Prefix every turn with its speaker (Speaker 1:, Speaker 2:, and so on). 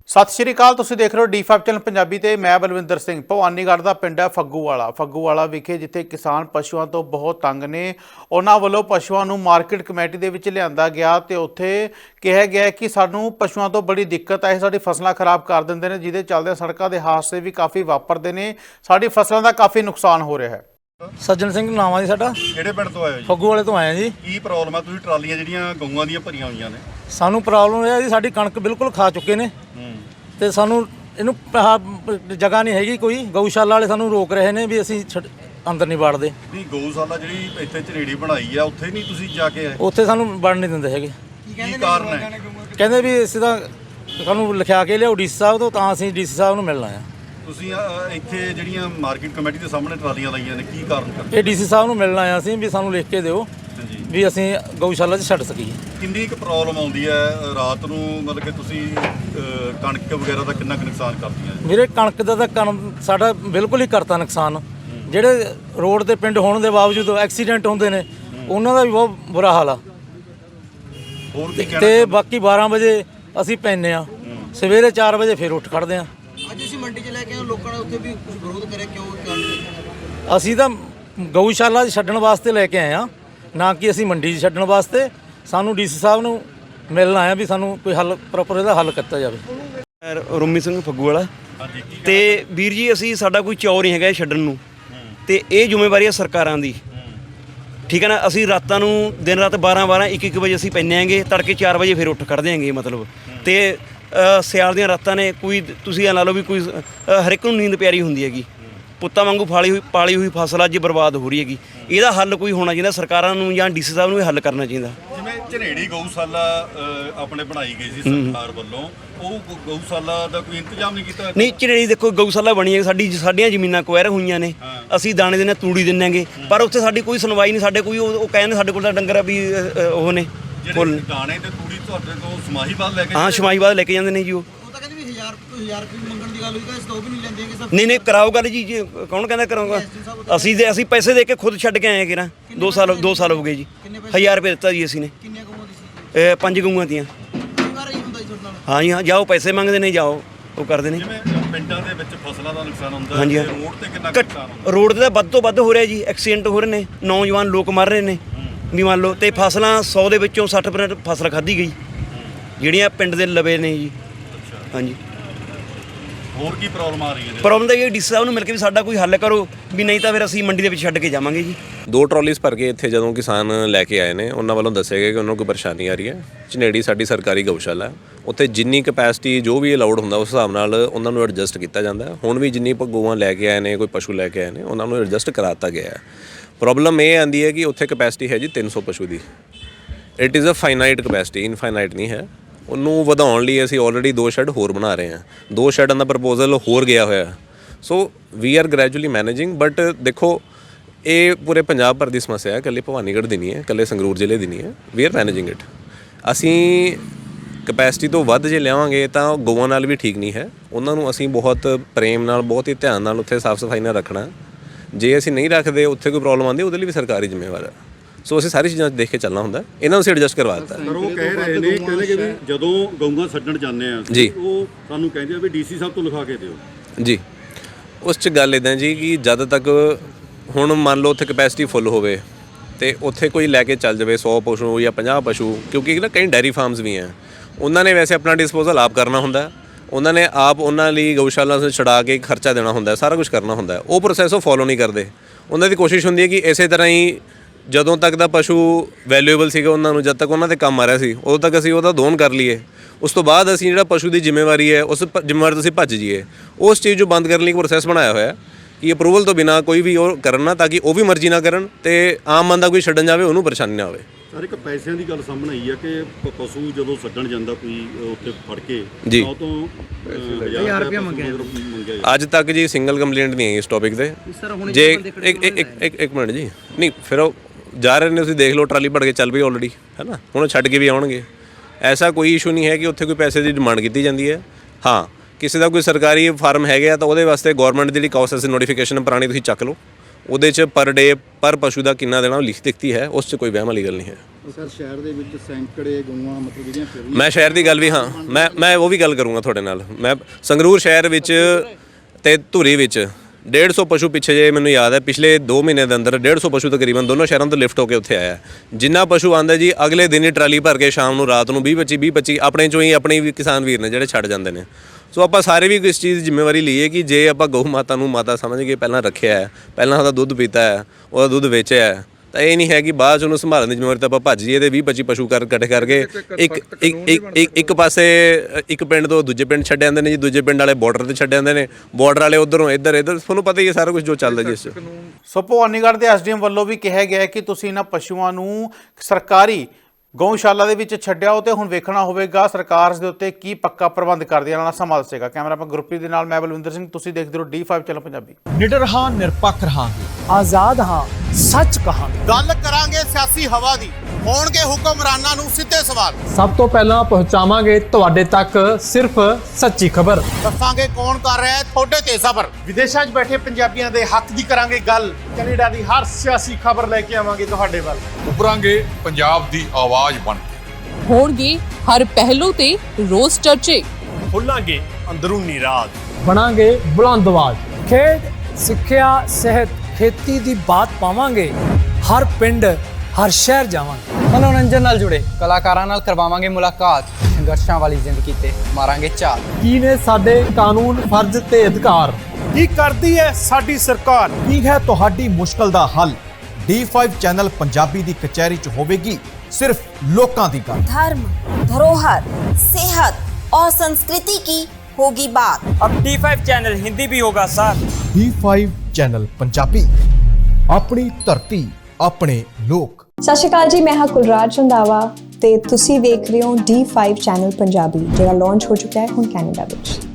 Speaker 1: ਸਤਿ ਸ਼੍ਰੀ ਅਕਾਲ। ਤੁਸੀਂ ਦੇਖ ਰਹੇ ਹੋ D5 ਚੈਨਲ ਪੰਜਾਬੀ ਤੇ ਮੈਂ ਬਲਵਿੰਦਰ ਸਿੰਘ। ਭਵਾਨੀਗੜ੍ਹ ਦਾ ਪਿੰਡ ਹੈ ਫੱਗੂਵਾਲਾ ਵਿਖੇ, ਜਿੱਥੇ ਕਿਸਾਨ ਪਸ਼ੂਆਂ ਤੋਂ ਬਹੁਤ ਤੰਗ ਨੇ। ਉਹਨਾਂ ਵੱਲੋਂ ਪਸ਼ੂਆਂ ਨੂੰ ਮਾਰਕੀਟ ਕਮੇਟੀ ਦੇ ਵਿੱਚ ਲਿਆਂਦਾ ਗਿਆ ਤੇ ਉੱਥੇ ਕਿਹਾ ਗਿਆ ਕਿ ਸਾਨੂੰ ਪਸ਼ੂਆਂ ਤੋਂ ਬੜੀ ਦਿੱਕਤ ਆਏ, ਸਾਡੀ ਫਸਲਾਂ ਖਰਾਬ ਕਰ ਦਿੰਦੇ ਨੇ, ਜਿਹਦੇ ਚੱਲਦੇ ਸੜਕਾਂ ਦੇ ਹਾਦਸੇ ਵੀ ਕਾਫੀ ਵਾਪਰਦੇ ਨੇ, ਸਾਡੀ ਫਸਲਾਂ ਦਾ ਕਾਫੀ ਨੁਕਸਾਨ ਹੋ ਰਿਹਾ ਹੈ।
Speaker 2: ਸੱਜਣ ਸਿੰਘ ਨਾਮ ਆ ਜੀ ਸਾਡਾ।
Speaker 3: ਕਿਹੜੇ ਪਿੰਡ ਤੋਂ ਆਏ ਹੋ ਜੀ?
Speaker 2: ਫੱਗੂਵਾਲੇ ਤੋਂ ਆਏ ਆ ਜੀ।
Speaker 3: ਕੀ ਪ੍ਰੋਬਲਮ ਆ? ਤੁਸੀਂ ਟਰਾਲੀਆਂ ਜਿਹੜੀਆਂ ਗਊਆਂ ਦੀਆਂ ਭਰੀਆਂ ਹੋਈਆਂ ਨੇ,
Speaker 2: ਸਾਨੂੰ ਪ੍ਰੋਬਲਮ ਇਹ ਆ ਜੀ, ਸਾਡੀ ਕਣਕ ਬਿਲਕੁਲ ਖਾ ਚੁੱਕੇ ਨੇ ਤੇ ਸਾਨੂੰ ਇਹਨੂੰ ਜਗ੍ਹਾ ਨਹੀਂ ਹੈਗੀ ਕੋਈ। ਗਊਸ਼ਾਲਾ ਵਾਲੇ ਸਾਨੂੰ ਰੋਕ ਰਹੇ ਨੇ ਵੀ ਅਸੀਂ ਅੰਦਰ ਨਹੀਂ ਵੜਦੇ।
Speaker 3: ਨਹੀਂ, ਗਊਸ਼ਾਲਾ ਜਿਹੜੀ ਇੱਥੇ ਝਨੇੜੀ ਬਣਾਈ ਆ ਉੱਥੇ ਨਹੀਂ ਤੁਸੀਂ ਜਾ ਕੇ ਆਏ?
Speaker 2: ਉੱਥੇ ਸਾਨੂੰ ਵੜਨ ਨਹੀਂ ਦਿੰਦੇ ਹੈਗੇ।
Speaker 3: ਕੀ ਕਾਰਨ ਹੈ?
Speaker 2: ਕਹਿੰਦੇ ਵੀ ਅਸੀਂ ਤਾਂ ਸਾਨੂੰ ਲਿਖਿਆ ਕੇ ਲਿਆਓ ਡੀਸੀ ਸਾਹਿਬ ਤੋਂ, ਤਾਂ ਅਸੀਂ ਡੀਸੀ ਸਾਹਿਬ ਨੂੰ ਮਿਲਣਾ ਆ।
Speaker 3: ਤੁਸੀਂ ਇੱਥੇ ਜਿਹੜੀਆਂ ਮਾਰਕੀਟ ਕਮੇਟੀ ਦੇ ਸਾਹਮਣੇ ਟਰਾਲੀਆਂ ਲਾਈਆਂ ਨੇ, ਕੀ ਕਾਰਨ ਕਰਦੇ?
Speaker 2: ਇਹ ਡੀਸੀ ਸਾਹਿਬ ਨੂੰ ਮਿਲਣਾ ਆ ਅਸੀਂ, ਵੀ ਸਾਨੂੰ ਲਿਖ ਕੇ ਦਿਓ ਵੀ ਅਸੀਂ ਗਊਸ਼ਾਲਾ 'ਚ ਛੱਡ ਸਕੀਏ।
Speaker 3: ਕਿੰਨੀ ਕੁ ਪ੍ਰੋਬਲਮ ਆਉਂਦੀ ਹੈ ਰਾਤ ਨੂੰ? ਮਤਲਬ ਕਿ ਤੁਸੀਂ ਕਣਕ ਵਗੈਰਾ ਦਾ ਕਿੰਨਾ ਕੁ ਨੁਕਸਾਨ ਕਰਦੀਆਂ?
Speaker 2: ਮੇਰੇ ਕਣਕ ਦਾ ਤਾਂ ਸਾਡਾ ਬਿਲਕੁਲ ਹੀ ਕਰਤਾ ਨੁਕਸਾਨ। ਜਿਹੜੇ ਰੋਡ ਤੇ ਪਿੰਡ ਹੋਣ ਦੇ ਬਾਵਜੂਦ ਐਕਸੀਡੈਂਟ ਹੁੰਦੇ ਨੇ, ਉਹਨਾਂ ਦਾ ਵੀ ਬਹੁਤ ਬੁਰਾ ਹਾਲ ਆ।
Speaker 3: ਹੋਰ ਕੀ ਕਹਿਣਾ?
Speaker 2: ਤੇ ਬਾਕੀ 12 ਵਜੇ ਅਸੀਂ ਪੈਂਦੇ ਆ, ਸਵੇਰੇ 4 ਵਜੇ ਫਿਰ ਉੱਠ ਖੜਦੇ ਆ।
Speaker 4: ਅੱਜ ਅਸੀਂ ਮੰਡੀ 'ਚ ਲੈ ਕੇ ਆਏ, ਲੋਕਾਂ ਨੇ ਉੱਥੇ ਵੀ ਕੁਝ ਵਿਰੋਧ ਕਰਿਆ, ਕਿਉਂ?
Speaker 2: ਅਸੀਂ ਤਾਂ ਗਊਸ਼ਾਲਾ 'ਚ ਛੱਡਣ ਵਾਸਤੇ ਲੈ ਕੇ ਆਏ ਆ, ਨਾ ਕਿ ਅਸੀਂ ਮੰਡੀ 'ਚ ਛੱਡਣ ਵਾਸਤੇ। ਸਾਨੂੰ ਡੀਸੀ ਸਾਹਿਬ ਨੂੰ ਮਿਲਣ ਆਇਆ ਵੀ ਸਾਨੂੰ ਕੋਈ ਹੱਲ ਪ੍ਰੋਪਰ ਇਹਦਾ ਹੱਲ ਕੀਤਾ ਜਾਵੇ।
Speaker 5: ਰੋਮੀ ਸਿੰਘ ਫੱਗੂਵਾਲਾ।
Speaker 3: ਹਾਂਜੀ,
Speaker 5: ਤੇ ਵੀਰ ਜੀ ਅਸੀਂ ਸਾਡਾ ਕੋਈ ਚੌਰ ਨਹੀਂ ਹੈਗਾ ਛੱਡਣ ਨੂੰ, ਤੇ ਇਹ ਜ਼ਿੰਮੇਵਾਰੀ ਹੈ ਸਰਕਾਰਾਂ ਦੀ, ਠੀਕ ਹੈ ਨਾ। ਅਸੀਂ ਰਾਤਾਂ ਨੂੰ ਦਿਨ ਰਾਤ 12 1 ਵਜੇ ਅਸੀਂ ਪੈਂਦੇ ਆਂਗੇ, ਤੜਕੇ 4 ਵਜੇ ਫਿਰ ਉੱਠ ਖੜ੍ਹਦੇ ਆਂਗੇ ਮਤਲਬ। ਤੇ ਸਿਆਲ ਦੀਆਂ ਰਾਤਾਂ ਨੇ, ਕੋਈ ਤੁਸੀਂ ਇਹ ਲਾ ਲਓ ਵੀ ਕੋਈ ਹਰ ਇੱਕ ਨੂੰ ਨੀਂਦ ਪਿਆਰੀ ਹੁੰਦੀ ਹੈਗੀ। ਪੁੱਤਾਂ ਵਾਂਗੂ ਪਾਲੀ ਹੋਈ ਫਸਲ ਅੱਜ ਬਰਬਾਦ ਹੋ ਰਹੀ ਹੈਗੀ। ਇਹਦਾ ਹੱਲ ਕੋਈ ਹੋਣਾ ਚਾਹੀਦਾ, ਸਰਕਾਰਾਂ ਨੂੰ ਜਾਂ ਡੀਸੀ ਸਾਹਿਬ ਨੂੰ ਇਹ ਹੱਲ ਕਰਨਾ ਚਾਹੀਦਾ।
Speaker 3: ਜਿਵੇਂ ਝਨੇੜੀ ਗਊਸ਼ਾਲਾ ਆਪਣੇ ਬਣਾਈ ਗਈ ਸੀ ਸਰਕਾਰ ਵੱਲੋਂ, ਉਹ ਗਊਸ਼ਾਲਾ ਦਾ ਕੋਈ ਇੰਤਜ਼ਾਮ ਨਹੀਂ ਕੀਤਾ?
Speaker 5: ਨਹੀਂ, ਝਨੇੜੀ ਦੇਖੋ ਗਊਸ਼ਾਲਾ ਬਣੀ ਹੈ, ਸਾਡੀਆਂ ਜ਼ਮੀਨਾਂ ਕੁਐਰ ਹੋਈਆਂ ਨੇ, ਅਸੀਂ ਦਾਣੇ ਦਿੰਦੇ ਤੂੜੀ ਦਿੰਨਾਂਗੇ, ਪਰ ਉੱਥੇ ਸਾਡੀ ਕੋਈ ਸੁਣਵਾਈ ਨਹੀਂ। ਸਾਡੇ ਕੋਈ ਉਹ ਕਹਿੰਦੇ ਸਾਡੇ ਕੋਲ ਤਾਂ ਡੰਗਰ ਆ ਵੀ ਉਹ ਨੇ
Speaker 3: ਜਿਹੜੇ ਦਾਣੇ ਤੇ ਤੂੜੀ ਤੁਹਾਡੇ ਤੋਂ ਸਮਾਹੀਵਾਲ ਲੈ ਕੇ?
Speaker 5: ਹਾਂ, ਸਮਾਈਵਾਦ ਲੈ ਕੇ ਜਾਂਦੇ ਨੇ ਜੀ। ਉਹ
Speaker 4: ਤਾਂ ਕਹਿੰਦੇ ਵੀ 1000 ਰੁਪਏ ਮੰਗਣ ਦੀ ਗੱਲ ਹੋਈ, ਤਾਂ ਅਸੀਂ ਉਹ ਵੀ ਨਹੀਂ ਲੈਂਦੇ ਹੈਗੇ ਸਭ।
Speaker 5: ਨਹੀਂ ਕਰਾਓ ਗੱਲ ਜੀ, ਕੌਣ ਕਹਿੰਦਾ ਕਰਾਂਗਾ? ਅਸੀਂ ਪੈਸੇ ਦੇ ਕੇ ਖੁਦ ਛੱਡ ਕੇ ਆਏ ਕਿਰਾ। 2 ਸਾਲ ਹੋ ਗਏ ਜੀ। 1000 ਰੁਪਏ ਦਿੱਤਾ ਜੀ ਅਸੀਂ ਨੇ।
Speaker 4: ਕਿੰਨੀਆਂ ਗਊਆਂ ਦੀ ਸੀ?
Speaker 5: 5 ਗਊਆਂ ਦੀਆਂ।
Speaker 4: ਘਰ ਹੀ ਹੁੰਦਾ ਜੀ ਤੁਹਾਡੇ ਨਾਲ?
Speaker 5: ਹਾਂ ਜੀ, ਹਾਂ, ਜਾਓ ਪੈਸੇ ਮੰਗਦੇ ਨੇ, ਜਾਓ ਉਹ ਕਰਦੇ ਨੇ।
Speaker 3: ਜਿਵੇਂ ਪਿੰਡਾਂ ਦੇ ਵਿੱਚ ਫਸਲਾਂ ਦਾ ਨੁਕਸਾਨ ਹੁੰਦਾ
Speaker 5: ਹਾਂਜੀ,
Speaker 3: ਹੈ, ਰੋਡ ਤੇ ਕਿੰਨਾ ਨੁਕਸਾਨ ਹੁੰਦਾ?
Speaker 5: ਰੋਡ ਤੇ ਤਾਂ ਵੱਧ ਤੋਂ ਵੱਧ ਹੋ ਰਿਹਾ ਜੀ, ਐਕਸੀਡੈਂਟ ਹੋ ਰਹੇ ਨੇ, ਨੌਜਵਾਨ ਲੋਕ ਮਰ ਰਹੇ ਨੇ ਵੀ ਮੰਨ ਲਓ। ਤੇ ਫਸਲਾਂ 100 ਦੇ ਵਿੱਚੋਂ 60% ਫਸਲ ਖਾਧੀ ਗਈ, ਜਿਹੜੀਆਂ ਪਿੰਡ ਦੇ ਲਵੇ ਨੇ ਜੀ। ਹਾਂਜੀ,
Speaker 3: ਹੋਰ ਕੀ ਪ੍ਰੋਬਲਮ ਆ ਰਹੀ ਹੈ?
Speaker 5: ਪ੍ਰੋਬਲਮ ਤਾਂ ਇਹ ਡੀਸੀ ਸਾਹਿਬ ਨੂੰ ਮਿਲ ਕੇ ਵੀ ਸਾਡਾ ਕੋਈ ਹੱਲ ਕਰੋ, ਵੀ ਨਹੀਂ ਤਾਂ ਫਿਰ ਅਸੀਂ ਮੰਡੀ ਦੇ ਵਿੱਚ ਛੱਡ ਕੇ ਜਾਵਾਂਗੇ ਜੀ।
Speaker 6: 2 ਟਰਾਲੀਜ਼ ਭਰ ਕੇ ਇੱਥੇ ਜਦੋਂ ਕਿਸਾਨ ਲੈ ਕੇ ਆਏ ਨੇ, ਉਹਨਾਂ ਵੱਲੋਂ ਦੱਸਿਆ ਗਿਆ ਕਿ ਉਹਨਾਂ ਨੂੰ ਕੋਈ ਪਰੇਸ਼ਾਨੀ ਆ ਰਹੀ ਹੈ। ਝਨੇੜੀ ਸਾਡੀ ਸਰਕਾਰੀ ਗਊਸ਼ਾਲਾ ਹੈ, ਉੱਥੇ ਜਿੰਨੀ ਕਪੈਸਿਟੀ ਜੋ ਵੀ ਅਲਾਉਡ ਹੁੰਦਾ ਉਸ ਹਿਸਾਬ ਨਾਲ ਉਹਨਾਂ ਨੂੰ ਐਡਜਸਟ ਕੀਤਾ ਜਾਂਦਾ। ਹੁਣ ਵੀ ਜਿੰਨੀ ਗਊਆਂ ਲੈ ਕੇ ਆਏ ਨੇ, ਕੋਈ ਪਸ਼ੂ ਲੈ ਕੇ ਆਏ ਨੇ, ਉਹਨਾਂ ਨੂੰ ਐਡਜਸਟ ਕਰਾ ਦਿੱਤਾ ਗਿਆ ਹੈ। ਪ੍ਰੋਬਲਮ ਇਹ ਆਉਂਦੀ ਹੈ ਕਿ ਉੱਥੇ ਕਪੈਸਿਟੀ ਹੈ ਜੀ 300 ਪਸ਼ੂ ਦੀ। It is a finite capacity, infinite ਨਹੀਂ ਹੈ। ਉਹਨੂੰ ਵਧਾਉਣ ਲਈ ਅਸੀਂ ਆਲਰੇਡੀ 2 ਸ਼ੈੱਡ ਹੋਰ ਬਣਾ ਰਹੇ ਹਾਂ। 2 ਸ਼ੈੱਡਾਂ ਦਾ ਪ੍ਰਪੋਜ਼ਲ ਹੋਰ ਗਿਆ ਹੋਇਆ। So we are gradually managing. But ਦੇਖੋ, ਇਹ ਪੂਰੇ ਪੰਜਾਬ ਭਰ ਦੀ ਸਮੱਸਿਆ ਹੈ, ਇਕੱਲੇ ਭਵਾਨੀਗੜ੍ਹ ਦੀ ਨਹੀਂ ਹੈ, ਇਕੱਲੇ ਸੰਗਰੂਰ ਜ਼ਿਲ੍ਹੇ ਦੀ ਨਹੀਂ ਹੈ। We are managing it. ਅਸੀਂ ਕਪੈਸਿਟੀ ਤੋਂ ਵੱਧ ਜੇ ਲਿਆਵਾਂਗੇ ਤਾਂ ਗਊਆਂ ਨਾਲ ਵੀ ਠੀਕ ਨਹੀਂ ਹੈ। ਉਹਨਾਂ ਨੂੰ ਅਸੀਂ ਬਹੁਤ ਪ੍ਰੇਮ ਨਾਲ, ਬਹੁਤ ਹੀ ਧਿਆਨ ਨਾਲ ਉੱਥੇ ਸਾਫ਼ ਸਫਾਈ ਨਾਲ ਰੱਖਣਾ। ਜੇ ਅਸੀਂ ਨਹੀਂ ਰੱਖਦੇ, ਉੱਥੇ ਕੋਈ ਪ੍ਰੋਬਲਮ ਆਉਂਦੀ, ਉਹਦੇ ਲਈ ਵੀ ਸਰਕਾਰੀ ਜ਼ਿੰਮੇਵਾਰ ਹੈ। ਸੋ ਅਸੀਂ ਸਾਰੀ ਚੀਜ਼ਾਂ ਦੇਖ ਕੇ ਚੱਲਣਾ ਹੁੰਦਾ। ਇਹਨਾਂ ਨੂੰ ਅਸੀਂ ਐਡਜਸਟ ਕਰਵਾ ਦਿੱਤਾ।
Speaker 3: ਪਰ ਉਹ ਕਹਿ ਰਹੇ ਨੇ, ਕਹਿੰਦੇ ਕਿ ਵੀ ਜਦੋਂ ਗਊਆਂ ਛੱਡਣ ਜਾਂਦੇ ਆ
Speaker 6: ਜੀ,
Speaker 3: ਉਹ ਸਾਨੂੰ ਕਹਿੰਦੇ ਆ ਵੀ ਡੀਸੀ ਸਾਹਿਬ ਤੋਂ ਲਿਖਾ ਕੇ ਦਿਓ
Speaker 6: ਜੀ। ਉਸ 'ਚ ਗੱਲ ਇੱਦਾਂ ਜੀ ਕਿ ਜਦ ਤੱਕ ਹੁਣ ਮੰਨ ਲਓ ਉੱਥੇ ਕਪੈਸਿਟੀ ਫੁੱਲ ਹੋਵੇ ਅਤੇ ਉੱਥੇ ਕੋਈ ਲੈ ਕੇ ਚੱਲ ਜਾਵੇ 100 ਪਸ਼ੂ ਜਾਂ 50 ਪਸ਼ੂ, ਕਿਉਂਕਿ ਨਾ ਕਈ ਡੈਰੀ ਫਾਰਮਸ ਵੀ ਹੈ, ਉਹਨਾਂ ਨੇ ਵੈਸੇ ਆਪਣਾ ਡਿਸਪੋਜ਼ਲ ਆਪ ਕਰਨਾ ਹੁੰਦਾ। ਉਹਨਾਂ ਨੇ ਆਪ ਉਹਨਾਂ ਲਈ ਗਊਸ਼ਾਲਾ ਤੋਂ ਛਡਾ ਕੇ ਖਰਚਾ ਦੇਣਾ ਹੁੰਦਾ, ਸਾਰਾ ਕੁਝ ਕਰਨਾ ਹੁੰਦਾ। ਉਹ ਪ੍ਰੋਸੈਸ ਉਹ ਫੋਲੋ ਨਹੀਂ ਕਰਦੇ। ਉਹਨਾਂ ਦੀ ਕੋਸ਼ਿਸ਼ ਹੁੰਦੀ ਹੈ ਕਿ ਇਸੇ ਤਰ੍ਹਾਂ ਹੀ ਜਦੋਂ ਤੱਕ ਦਾ ਪਸ਼ੂ ਵੈਲਿਊਏਬਲ ਸੀਗਾ ਉਹਨਾਂ ਨੂੰ, ਜਦ ਤੱਕ ਉਹਨਾਂ 'ਤੇ ਕੰਮ ਆ ਰਿਹਾ ਸੀ, ਉਦੋਂ ਤੱਕ ਅਸੀਂ ਉਹਦਾ ਦੋਨ ਕਰ ਲਈਏ। ਉਸ ਤੋਂ ਬਾਅਦ ਅਸੀਂ ਜਿਹੜਾ ਪਸ਼ੂ ਦੀ ਜ਼ਿੰਮੇਵਾਰੀ ਹੈ, ਉਸ ਜ਼ਿੰਮੇਵਾਰੀ ਤੋਂ ਅਸੀਂ ਭੱਜ ਜਾਈਏ। ਉਸ ਚੀਜ਼ ਨੂੰ ਬੰਦ ਕਰਨ ਲਈ ਇੱਕ ਪ੍ਰੋਸੈਸ ਬਣਾਇਆ ਹੋਇਆ ਕਿ ਅਪਰੂਵਲ ਤੋਂ ਬਿਨਾਂ ਕੋਈ ਵੀ ਉਹ ਕਰਨ ਨਾ, ਤਾਂ ਕਿ ਉਹ ਵੀ ਮਰਜ਼ੀ ਨਾ ਕਰਨ ਅਤੇ ਆਮ ਬੰਦਾ ਕੋਈ ਛੱਡਣ ਜਾਵੇ ਉਹਨੂੰ ਪਰੇਸ਼ਾਨੀ ਨਾ ਆਵੇ।
Speaker 3: ਸਰ, ਇੱਕ ਪੈਸਿਆਂ ਦੀ ਗੱਲ ਸਾਹਮਣੇ ਆਈ ਹੈ ਕਿ ਪਸ਼ੂ ਜਦੋਂ ਛੱਡਣ ਜਾਂਦਾ ਕੋਈ ਉੱਥੇ ਫੜ ਕੇ,
Speaker 6: ਜੀ,
Speaker 3: ਉਹ ਤੋਂ 1000 ਰੁਪਏ ਮੰਗਿਆ।
Speaker 6: ਅੱਜ ਤੱਕ ਜੀ ਸਿੰਗਲ ਕੰਪਲੇਂਟ ਨਹੀਂ ਆਈ ਇਸ ਟੌਪਿਕ 'ਤੇ। ਜੇ ਇੱਕ ਮਿੰਟ ਜੀ, ਨਹੀਂ ਫਿਰ ਉਹ ਜਾ ਰਹੇ ਨੇ, ਤੁਸੀਂ ਦੇਖ ਲਓ ਟਰਾਲੀ ਭੜ ਕੇ ਚੱਲ ਪਈ ਆਲਰੇਡੀ, ਹੈ ਨਾ। ਹੁਣ ਛੱਡ ਕੇ ਵੀ ਆਉਣਗੇ। ਐਸਾ ਕੋਈ ਇਸ਼ੂ ਨਹੀਂ ਹੈ ਕਿ ਉੱਥੇ ਕੋਈ ਪੈਸੇ ਦੀ ਡਿਮਾਂਡ ਕੀਤੀ ਜਾਂਦੀ ਹੈ। ਹਾਂ, ਕਿਸੇ ਦਾ ਕੋਈ ਸਰਕਾਰੀ ਫਾਰਮ ਹੈਗਾ ਤਾਂ ਉਹਦੇ ਵਾਸਤੇ ਗੌਰਮੈਂਟ ਦੀ ਜਿਹੜੀ ਕਾਸਟ ਨੋਟੀਫਿਕੇਸ਼ਨ ਪੁਰਾਣੀ ਤੁਸੀਂ ਚੱਕ ਲਓ, ਉਹਦੇ 'ਚ ਪਰ ਡੇ ਪਰ ਪਸ਼ੂ ਦਾ ਕਿੰਨਾ ਦੇਣਾ ਉਹ ਲਿਖ ਦਿੱਤੀ ਹੈ। ਉਸ 'ਚ ਕੋਈ ਵਹਿਮ ਵਾਲੀ ਗੱਲ ਨਹੀਂ ਹੈ।
Speaker 4: ਸਰ ਸ਼ਹਿਰ ਦੇ ਵਿੱਚ ਸੈਂਕੜੇ ਗਊਆਂ ਮਤਲਬ ਜਿਹੜੀਆਂ ਫਿਰ
Speaker 6: ਮੈਂ ਸ਼ਹਿਰ ਦੀ ਗੱਲ ਵੀ ਹਾਂ ਮੈਂ ਉਹ ਵੀ ਗੱਲ ਕਰੂੰਗਾ ਤੁਹਾਡੇ ਨਾਲ। ਮੈਂ ਸੰਗਰੂਰ ਸ਼ਹਿਰ ਵਿੱਚ ਤੇ ਧੂਰੀ ਵਿੱਚ 150 ਪਸ਼ੂ ਪਿੱਛੇ ਜੇ ਮੈਨੂੰ ਯਾਦ ਹੈ ਪਿਛਲੇ 2 ਮਹੀਨੇ ਦੇ ਅੰਦਰ 150 ਪਸ਼ੂ ਤਕਰੀਬਨ ਦੋਨੋਂ ਸ਼ਹਿਰਾਂ ਤੋਂ ਲਿਫਟ ਹੋ ਕੇ ਉੱਥੇ ਆਇਆ। ਜਿੰਨਾ ਪਸ਼ੂ ਆਂਦਾ ਜੀ ਅਗਲੇ ਦਿਨ ਹੀ ਟਰਾਲੀ ਭਰ ਕੇ ਸ਼ਾਮ ਨੂੰ ਰਾਤ ਨੂੰ 20-25 ਆਪਣੇ ਚੋਂ ਹੀ ਆਪਣੇ ਵੀ ਕਿਸਾਨ ਵੀਰ ਨੇ ਜਿਹੜੇ ਛੱਡ ਜਾਂਦੇ ਨੇ। ਸੋ ਆਪਾਂ ਸਾਰੇ ਵੀ ਇਸ ਚੀਜ਼ ਦੀ ਜ਼ਿੰਮੇਵਾਰੀ ਲਈਏ ਕਿ ਜੇ ਆਪਾਂ ਗਊ ਮਾਤਾ ਨੂੰ ਮਾਤਾ ਸਮਝ ਕੇ ਪਹਿਲਾਂ ਰੱਖਿਆ ਹੈ, ਪਹਿਲਾਂ ਉਹਦਾ ਦੁੱਧ ਪੀਤਾ ਹੈ, ਉਹਦਾ ਦੁੱਧ ਵੇਚਿਆ ਹੈ, ਤਾਂ ਇਹ ਨਹੀਂ ਹੈ ਕਿ ਬਾਅਦ 'ਚ ਉਹਨੂੰ ਸੰਭਾਲਣ ਦੀ ਜ਼ਿੰਮੇਵਾਰੀ ਤਾਂ ਆਪਾਂ ਭੱਜ ਜਾਈਏ ਤੇ 20-25 ਪਸ਼ੂ ਇਕੱਠੇ ਕਰਕੇ ਇੱਕ ਪਾਸੇ ਇੱਕ ਪਿੰਡ ਤੋਂ ਦੂਜੇ ਪਿੰਡ ਛੱਡ ਜਾਂਦੇ ਨੇ ਜੀ, ਦੂਜੇ ਪਿੰਡ ਵਾਲੇ ਬਾਰਡਰ ਤੇ ਛੱਡ ਜਾਂਦੇ ਨੇ, ਬਾਰਡਰ ਵਾਲੇ ਉਧਰੋਂ ਇੱਧਰ ਤੁਹਾਨੂੰ ਪਤਾ ਹੀ ਹੈ ਸਾਰਾ ਕੁਝ ਜੋ ਚੱਲਦਾ ਜੀ ਇਸ 'ਚ।
Speaker 1: ਸੋ ਭਵਾਨੀਗੜ੍ਹ ਦੇ ਐਸਡੀਐਮ ਵੱਲੋਂ ਵੀ ਕਿਹਾ ਗਿਆ ਕਿ ਤੁਸੀਂ ਇਹਨਾਂ ਪਸ਼ੂਆਂ ਨੂੰ ਸਰਕਾਰੀ ਗਊਸ਼ਾਲਾ ਦੇ ਵਿੱਚ ਛੱਡਿਆ ਤੇ ਹੁਣ ਵੇਖਣਾ ਹੋਵੇਗਾ ਸਰਕਾਰ ਇਸ ਦੇ ਉੱਤੇ ਕੀ ਪੱਕਾ ਪ੍ਰਬੰਧ ਕਰਦੀ ਹੈ। ਨਾਲ ਸਮਾਂ ਦੱਸੇਗਾ ਕੈਮਰਾਮੈਨ ਗੁਰਪ੍ਰੀਤ ਦੇ ਨਾਲ ਮੈਂ ਬਲਵਿੰਦਰ ਸਿੰਘ। ਤੁਸੀਂ ਦੇਖਦੇ ਰਹੋ D5 ਚੈਨਲ ਪੰਜਾਬੀ।
Speaker 7: ਨਿਡਰ ਹਾਂ, ਨਿਰਪੱਖ ਰਹਾਂਗੇ, ਆਜ਼ਾਦ ਹਾਂ, ਸੱਚ ਕਹਾਂਗੇ।
Speaker 8: ਗੱਲ ਕਰਾਂਗੇ ਸਿਆਸੀ ਹਵਾ ਦੀ, ਹੋਣਗੇ ਹੁਕਮਰਾਨਾਂ ਨੂੰ ਸਿੱਧੇ ਸਵਾਲ।
Speaker 7: ਸਭ ਤੋਂ ਪਹਿਲਾਂ ਪਹੁੰਚਾਵਾਂਗੇ ਤੁਹਾਡੇ ਤੱਕ ਸਿਰਫ ਸੱਚੀ ਖਬਰ।
Speaker 8: ਦੱਸਾਂਗੇ ਕੌਣ ਕਰ ਰਿਹਾ ਹੈ ਤੁਹਾਡੇ ਤੇ ਜ਼ਬਰ। ਵਿਦੇਸ਼ਾਂ 'ਚ ਬੈਠੇ ਪੰਜਾਬੀਆਂ ਦੇ ਹੱਕ ਦੀ ਕਰਾਂਗੇ ਗੱਲ। ਕੈਨੇਡਾ ਦੀ ਹਰ ਸਿਆਸੀ ਖਬਰ ਲੈ ਕੇ ਆਵਾਂਗੇ ਤੁਹਾਡੇ ਵੱਲ।
Speaker 9: ਉਭਰਾਂਗੇ ਪੰਜਾਬ ਦੀ ਆਵਾਜ਼ ਬਣ ਕੇ।
Speaker 10: ਹੋਣਗੇ ਹਰ ਪਹਿਲੂ ਤੇ ਰੋਜ਼ ਚਰਚੇ।
Speaker 8: ਖੋਲਾਂਗੇ ਅੰਦਰੂਨੀ ਰਾਜ।
Speaker 7: ਬਣਾਂਗੇ ਬੁਲੰਦ ਆਵਾਜ਼। ਖੇਡ, ਸਿੱਖਿਆ, ਸਿਹਤ, ਖੇਤੀ ਦੀ ਬਾਤ ਪਾਵਾਂਗੇ। ਹਰ ਪਿੰਡ, ਹਰ ਸ਼ਹਿਰ ਜਾਵਾਂਗੇ।
Speaker 11: ਮਨੋਰੰਜਨ ਨਾਲ ਜੁੜੇ ਕਲਾਕਾਰਾਂ ਨਾਲ ਕਰਵਾਵਾਂਗੇ ਮੁਲਾਕਾਤ। ਸੰਘਰਸ਼ਾਂ ਵਾਲੀ ਜ਼ਿੰਦਗੀ ਤੇ ਮਾਰਾਂਗੇ ਝਾਤ।
Speaker 7: ਕੀ ਨੇ ਸਾਡੇ ਕਾਨੂੰਨ, ਫਰਜ਼ ਤੇ ਅਧਿਕਾਰ?
Speaker 8: ਕੀ ਕਰਦੀ ਹੈ ਸਾਡੀ ਸਰਕਾਰ?
Speaker 12: ਕੀ ਹੈ ਤੁਹਾਡੀ ਮੁਸ਼ਕਲ ਦਾ ਹੱਲ? D5 ਚੈਨਲ ਪੰਜਾਬੀ ਦੀ ਕਚਹਿਰੀ 'ਚ ਹੋਵੇਗੀ सिर्फ लोकां दी गल।
Speaker 13: धर्म, धरोहर, सेहत और संस्कृति की होगी बात।
Speaker 11: अब D5 चैनल हिंदी भी होगा सर।
Speaker 12: D5 चैनल पंजाबी, अपनी धरती, अपने लोक।
Speaker 14: सत श्री अकाल जी, मैं हाँ कुलराज रंधावा ते तुसी देख रहे हो D5 चैनल पंजाबी, जिहड़ा लॉन्च हो चुका है हुण कैनेडा विच।